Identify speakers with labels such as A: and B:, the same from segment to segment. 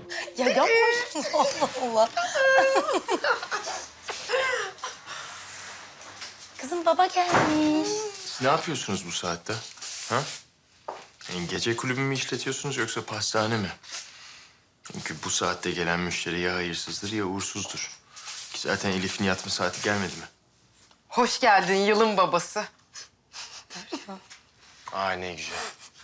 A: Ya yapma şunu Allah Allah. Kızım baba gelmiş.
B: Siz ne yapıyorsunuz bu saatte? Ha? Yani gece kulübü mü işletiyorsunuz yoksa pastane mi? Çünkü bu saatte gelen müşteri ya hayırsızdır ya uğursuzdur. Ki zaten Elif'in yatma saati gelmedi mi?
C: Hoş geldin yılın babası.
B: Aa ne güzel.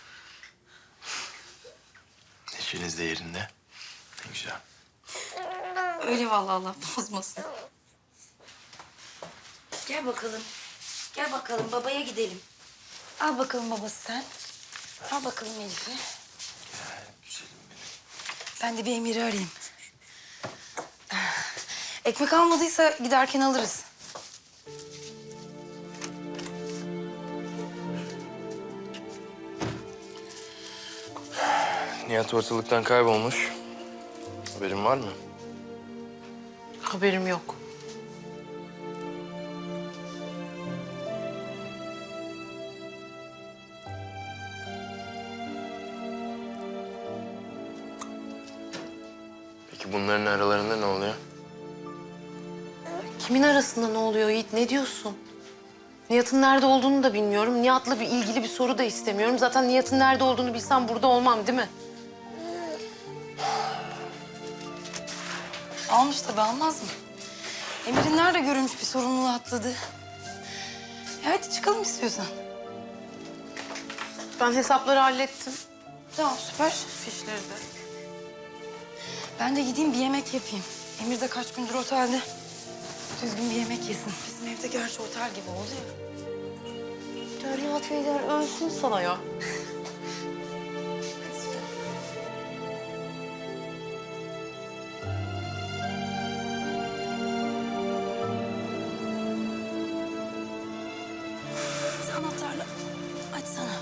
B: Neşeniz de yerinde. Ne güzel.
A: Öyle vallahi Allah bozmasın. Gel bakalım. Gel bakalım babaya gidelim. Al bakalım babası sen. Al bakalım Elif'i.
B: Güzelim benim.
A: Ben de bir Emir'i arayayım. Ekmek almadıysa giderken alırız.
B: Nihat ortalıktan kaybolmuş. Haberin var mı?
C: Haberim yok.
B: Peki bunların aralarında ne oluyor?
C: Kimin arasında ne oluyor Yiğit? Ne diyorsun? Nihat'ın nerede olduğunu da bilmiyorum. Nihat'la ilgili bir soru da istemiyorum. Zaten Nihat'ın nerede olduğunu bilsem burada olmam değil mi?
A: Almış tabii almaz mı? Emir'in nerede görülmüş bir sorumluluğu atladı. Hadi çıkalım istiyorsan.
C: Ben hesapları hallettim.
A: Tamam süper.
C: Fişleri de.
A: Ben de gideyim bir yemek yapayım. Emir de kaç gündür otelde. Düzgün bir yemek yesin. Bizim evde gerçi otel gibi oldu ya.
C: Nihat Beyler ölsün sana ya.
A: Anahtarla açsana.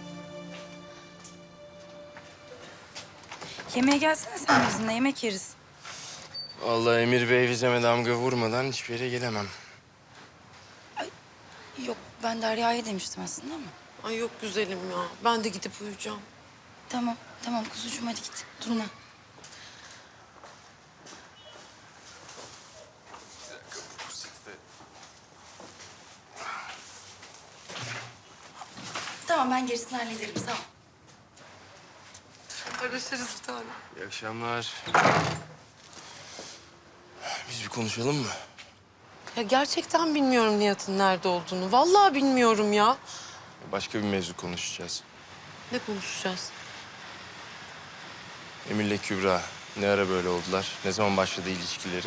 A: Yemeğe gelsene sen bizimle yemek yeriz.
B: Vallahi Emir Bey vizeme damga vurmadan hiçbir yere gelemem.
A: Yok ben Derya'ya demiştim aslında ama.
C: Ay yok güzelim ya. Ben de gidip uyuyacağım.
A: Tamam tamam kuzucuğum hadi git durma. Tamam ben gerisini hallederim sağ ol.
C: Görüşürüz bir tane.
B: İyi akşamlar. Biz bir konuşalım mı?
C: Ya gerçekten bilmiyorum Nihat'ın nerede olduğunu. Vallahi bilmiyorum ya.
B: Başka bir mevzu konuşacağız.
C: Ne konuşacağız?
B: Emir'le Kübra ne ara böyle oldular? Ne zaman başladı ilişkileri?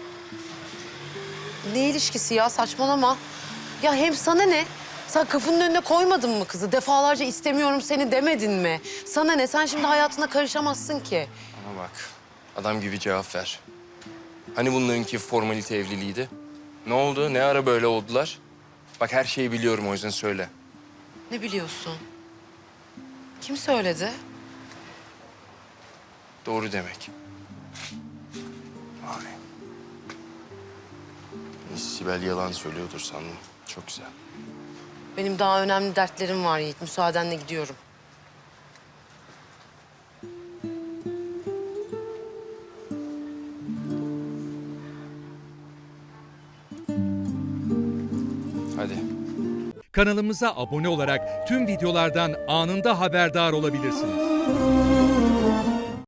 C: Ne ilişkisi ya saçmalama. Ya hem sana ne? Sen kapının önüne koymadın mı kızı? Defalarca istemiyorum seni demedin mi? Sana ne? Sen şimdi hayatına karışamazsın ki.
B: Ama bak adam gibi cevap ver. Hani bunlarınki formalite evliliğiydi? Ne oldu? Ne ara böyle oldular? Bak her şeyi biliyorum o yüzden söyle.
C: Ne biliyorsun? Kim söyledi?
B: Doğru demek. Vay. Sibel yalan söylüyordur sandım. Çok güzel.
C: Benim daha önemli dertlerim var Yiğit. Müsaadenle gidiyorum.
B: Hadi.
D: Kanalımıza abone olarak tüm videolardan anında haberdar olabilirsiniz.